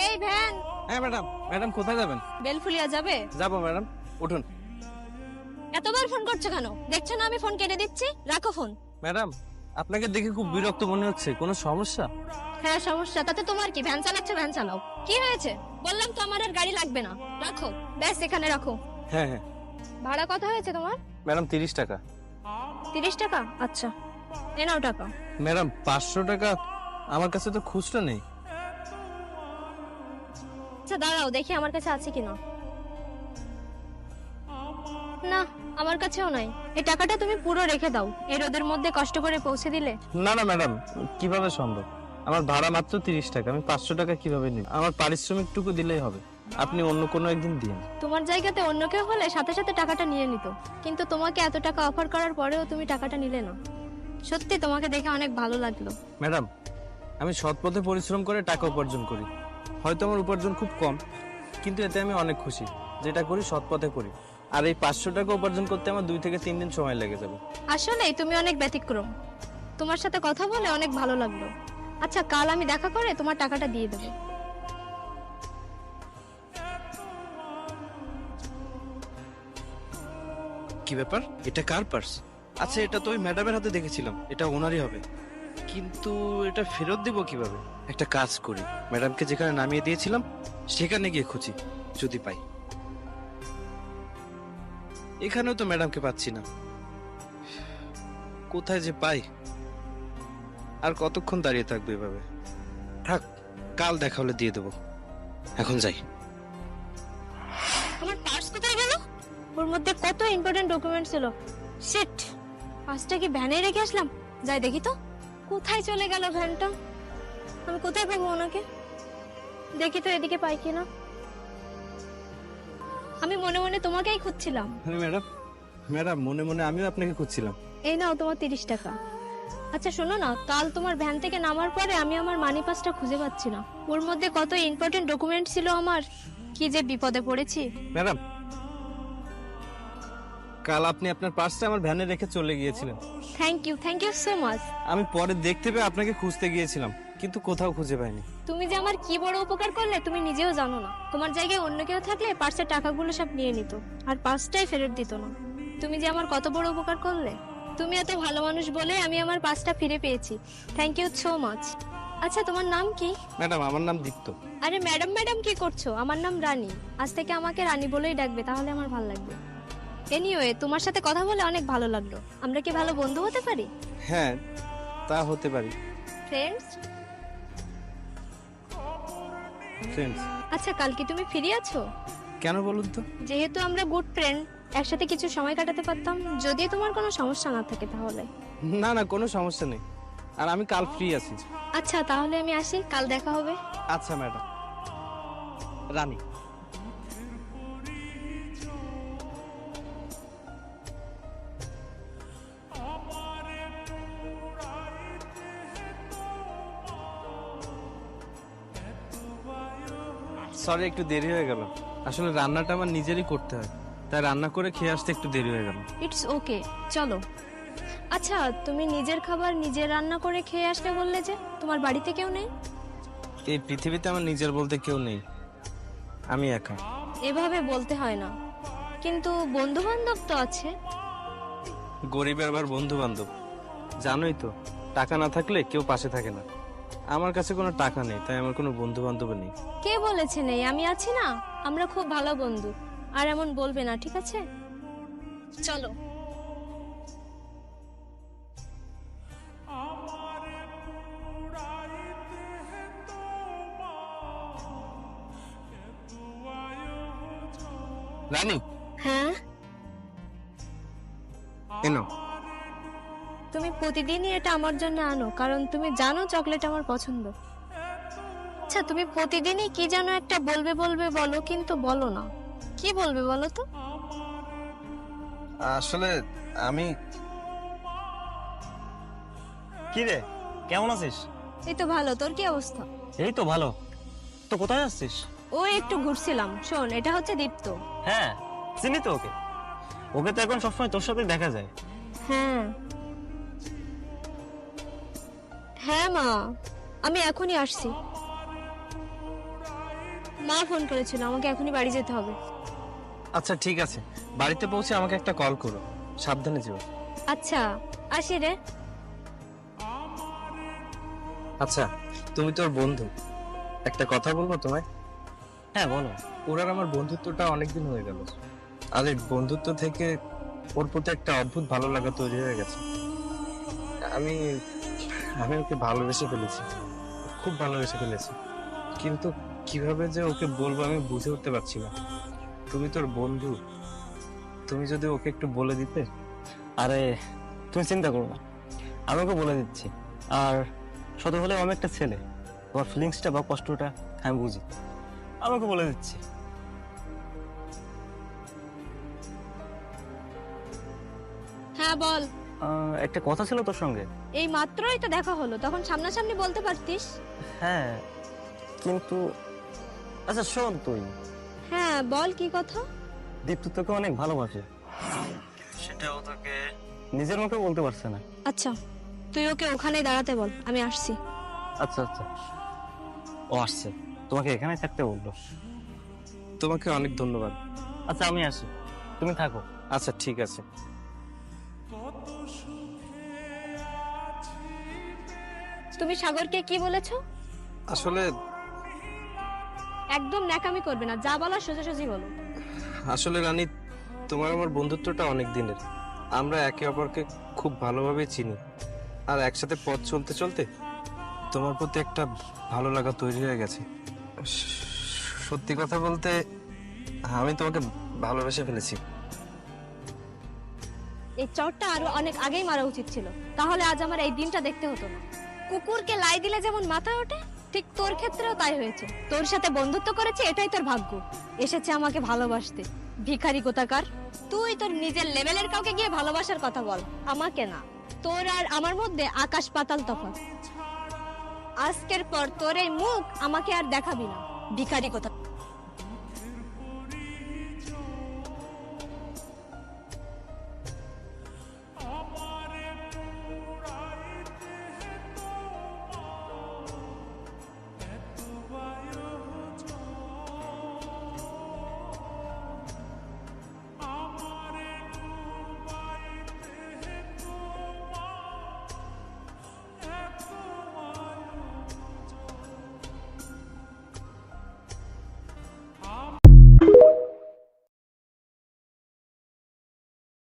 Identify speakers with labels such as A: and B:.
A: এই ভ্যান।
B: হ্যাঁ madam. Madam কোথায় যাবেন?
A: বেলফুলিয়া যাবে?
B: যাবো ম্যাডাম, উঠুন।
A: এতবার ফোন করছো কেন? দেখছো না আমি ফোন কেটে দিচ্ছি, রাখো ফোন।
B: ম্যাডাম, আপনাকে দেখে খুব বিরক্ত মনে হচ্ছে, কোনো সমস্যা?
A: হ্যাঁ সমস্যা, তাতে তোমার কি? ভ্যান চালাচ্ছ, ভ্যান চালাও। কি হয়েছে? বললাম তো আমার আর গাড়ি লাগবে না, রাখো। ব্যাস এখানে রাখো।
B: হ্যাঁ হ্যাঁ
A: ভাড়া কত হয়েছে তোমার?
B: ম্যাডাম, 30 টাকা।
A: 30 টাকা? আচ্ছা, এ নাও টাকা।
B: ম্যাডাম 500 টাকা আমার কাছে তো খুচরো নেই।
A: আচ্ছা দাঁড়াও, দেখি আমার কাছে আছে কিনা। না, আমার কাছেও নাই। এই টাকাটা তুমি পুরো রেখে দাও, এই রোদের মধ্যে কষ্ট করে পৌঁছে দিলে।
B: না না ম্যাডাম, কিভাবে সম্ভব? আমার ভাড়া মাত্র 30 টাকা, আমি 500 টাকা কিভাবে নিব? আমার পারিশ্রমিকটুকু দিলেই হবে, আপনি অন্য কোনো একদিন দিন।
A: তোমার জায়গাতে অন্য কেউ হলে সাথে সাথে টাকাটা নিয়ে নিত, কিন্তু তোমাকে এত টাকা অফার করার পরেও তুমি টাকাটা নিলে না। সত্যি তোমাকে দেখে অনেক ভালো লাগলো।
B: ম্যাডাম, আমি সৎ পথে পরিশ্রম করে টাকা উপার্জন করি। হয়তো আমার উপার্জন খুব কম, কিন্তু এতে আমি অনেক খুশি। যেটা করি সৎ পথে করি। আর এই 500 টাকা উপার্জন করতে আমার 2 থেকে 3 দিন সময় লেগে যাবে।
A: আসলেই তুমি অনেক ব্যতিক্রম। তোমার সাথে কথা বলে অনেক ভালো লাগলো। আচ্ছা, কাল আমি দেখা করে তোমার টাকাটা দিয়ে দেবো।
C: কি ব্যাপার, এটা কার পার্স? আচ্ছা, এটা তো ওই ম্যাডামের হাতে দেখেছিলাম, এটা ওনারই হবে। কিন্তু এটা ফেরত দেব কিভাবে? একটা কাজ করি, ম্যাডামকে যেখানে নামিয়ে দিয়েছিলাম সেখানে গিয়ে খুঁজি, যদি পাই। এখানেও তো ম্যাডামকে পাচ্ছি না, কোথায় যে পাই। আর কতক্ষণ দাঁড়িয়ে থাকবে এভাবে? থাক, কাল দেখা হলে দিয়ে দেবো, এখন যাই।
A: আমার পার্স কোথায় গেল? ওর মধ্যে কত ইম্পর্টেন্ট ডকুমেন্ট ছিল। শিট, পার্সটা কি ভ্যানে রেখে আসলাম? যাই দেখি তো, কোথায় চলে গেল ভ্যানটা। আমি কোথায় পাবো ওনাকে? দেখি তো এদিকে পাই কিনা। আমি মনে মনে তোমাকেই খুঁজছিলাম।
B: হ্যাঁ ম্যাডাম, ম্যাডাম মনে মনে আমিও আপনাকে খুঁজছিলাম।
A: এই নাও তোমার 30 টাকা। আচ্ছা শোনো না, কাল তোমার ভ্যান থেকে নামার পরে আমি আমার মানি পাসটা খুঁজে পাচ্ছি না। ওর মধ্যে কত ইম্পর্টেন্ট ডকুমেন্ট ছিল আমার, কি যে বিপদে পড়েছি।
B: ম্যাডাম, কাল আপনি আপনার পার্সটা আমার ভ্যানে রেখে চলে গিয়েছিলেন।
A: Thank you so much.
B: আমি পরে দেখতে পেয়ে আপনাকে খুঁজতে গিয়েছিলাম, কিন্তু কোথাও খুঁজে পাইনি।
A: তুমি যে আমার কি বড় উপকার করলে তুমি নিজেও জানো না। তোমার জায়গায় অন্য কেউ থাকলে পার্সের টাকাগুলো সব নিয়ে নিত, আর পার্সটাই ফেরত দিত না। তুমি যে আমার কত বড় উপকার করলে। তুমি এত ভালো মানুষ বলে আমি আমার পার্সটা ফিরে পেয়েছি। Thank you so much. আচ্ছা তোমার নাম কি?
B: ম্যাডাম, আমার নাম দীপ্ত।
A: আরে ম্যাডাম ম্যাডাম কি করছো? আমার নাম রানী। আজ থেকে আমাকে রানী বলেই ডাকবে, তাহলে আমার ভালো লাগবে। এনিওয়ে, তোমার সাথে কথা বলে অনেক ভালো লাগলো। আমরা কি ভালো বন্ধু হতে পারি?
B: হ্যাঁ, তা হতে পারি।
A: ফ্রেন্ডস?
B: ফ্রেন্ডস?
A: আচ্ছা, কাল কি তুমি ফ্রি আছো?
B: কেন বলুন তো?
A: যেহেতু আমরা গুড ফ্রেন্ড, একসাথে কিছু সময় কাটাতে পারতাম, যদি তোমার কোনো সমস্যা না থাকে তাহলে।
B: না না, কোনো সমস্যা নেই, আর আমি কাল ফ্রি আছি।
A: আচ্ছা তাহলে আমি আসি, কাল দেখা হবে।
B: আচ্ছা ম্যাডাম। রানী, সরি একটু দেরি হয়ে গেল। আসলে রান্নাটা আমার নিজেরই করতে হয়, তাই রান্না করে খেয়ে আসতে একটু দেরি হয়ে গেল।
A: ইটস ওকে, চলো। আচ্ছা, তুমি নিজের খাবার নিজে রান্না করে খেয়ে আসলে বললে যে, তোমার বাড়িতে কেউ নেই?
B: এই পৃথিবীতে আমার নিজের বলতে কেউ নেই, আমি একা।
A: এভাবে বলতে হয় না, কিন্তু বন্ধু বান্ধব তো আছে।
B: গরিবের আবার বন্ধু বান্ধব, জানোই তো, টাকা না থাকলে কেউ পাশে থাকে না। আমার কাছে কোনো টাকা নেই, তাই আমার কোনো বন্ধু বান্ধব নেই।
A: কে বলেছে নেই? আমি আছি না, আমরা খুব ভালো বন্ধু। আর এমন বলবে না, ঠিক আছে? চলো।
B: রানী,
A: হ্যাঁ,
B: এনো।
A: তুমি প্রতিদিনই এটা আমার জন্য আনো, কারণ তুমি জানো চকলেট আমার পছন্দ। আচ্ছা, তুমি প্রতিদিনই কি যেন একটা বলবে বলবে বলো, কিন্তু বলো না। কি বলবে বলো তো?
B: আসলে আমি।
D: কি রে, কেমন আছিস?
A: এই তো ভালো, তোর কি অবস্থা?
D: এই তো ভালো। তো কোথায় আসছিস?
A: ও একটু ঘুরছিলাম। শোন, এটা হচ্ছে দীপ্ত।
D: হ্যাঁ, চিনি তো ওকে। ওকে তো এখন সবসময় তোর সাথে দেখা যায়।
A: হ্যাঁ হ্যাঁ মা, আমি এখনই আসছি। মা ফোন করেছিল, আমাকে এখনই বাড়ি যেতে হবে।
B: আচ্ছা ঠিক আছে, বাড়িতে পৌঁছে আমাকে একটা কল করো, সাবধানে যেও।
A: আচ্ছা, আসি রে।
B: আচ্ছা, তুমি তোর বন্ধু, একটা কথা বলবো তোমায়?
D: হ্যাঁ বলো।
B: ওর আর আমার বন্ধুত্বটা অনেকদিন হয়ে গেল, আর এই বন্ধুত্ব থেকে ওর প্রতি একটা অদ্ভুত ভালো লাগা তৈরি হয়ে গেছে। আমি আমি ওকে ভালোবেসে ফেলেছি, খুব ভালোবেসে ফেলেছি, কিন্তু কিভাবে যে ওকে বলবো আমি বুঝে উঠতে পারছি না। তুমি তোর বন্ধু, তুমি যদি ওকে একটু বলে দিতে।
D: আরে তুমি চিন্তা করো না, আমি ওকে বলে দিচ্ছি। আর শত হলেও আমি একটা ছেলে, তোমার ফিলিংসটা বা কষ্টটা আমি বুঝি, আমাকে বলে দিচ্ছি।
A: হ্যাঁ বল।
D: একটা কথা ছিল তোর সঙ্গে।
A: এই মাত্রই তো দেখা হলো, তখন সামনাসামনি বলতে পারতিস।
D: হ্যাঁ কিন্তু আচ্ছা শোন, তুই
A: হ্যাঁ বল, কি কথা?
D: দীপ্ত তোকে অনেক ভালোবাসে, সেটাও তোকে নিজের মুখে বলতে পারছে না।
A: আচ্ছা, তুই ওকে ওখানেই দাঁড়াতে বল, আমি আসছি।
D: আচ্ছা আচ্ছা, ও আসছে, তোমাকে এখানে থাকতে বললো।
B: তোমাকে অনেক ধন্যবাদ।
D: আচ্ছা আমি আসি, তুমি থাকো।
B: আচ্ছা ঠিক আছে।
A: তুমি সাগরকে কি বলেছো?
B: আসলে
A: একদম ন্যাকামি করবে না, যা বলার সোজাসুজি বলো।
B: আসলে রানী, তোমার আমার বন্ধুত্বটা অনেক দিনের, আমরা একে অপরকে খুব ভালোভাবে চিনি, আর একসাথে পথ চলতে চলতে তোমার প্রতি একটা ভালো লাগা তৈরি হয়ে গেছে। সত্যি কথা বলতে আমি তোমাকে ভালোবেসে ফেলেছি।
A: এই চটটা আরো অনেক আগেই মারা উচিত ছিল, তাহলে আজ আমার এই দিনটা দেখতে হতো না। কুকুরকে লাই দিলে যেমন মাথায় ওঠে, ঠিক তোর ক্ষেত্রেও তাই হয়েছে। তোর সাথে বন্ধুত্ব করেছে, এটাই তোর ভাগ্য। এসেছে আমাকে ভালোবাসতে, ভিখারি কোথাকার। তুই তোর নিজের লেভেলের কাউকে গিয়ে ভালোবাসার কথা বল, আমাকে না। তোর আর আমার মধ্যে আকাশ পাতাল তফাৎ। আজকের পর তোর এই মুখ আমাকে আর দেখাবি না, ভিখারি কোথাকার।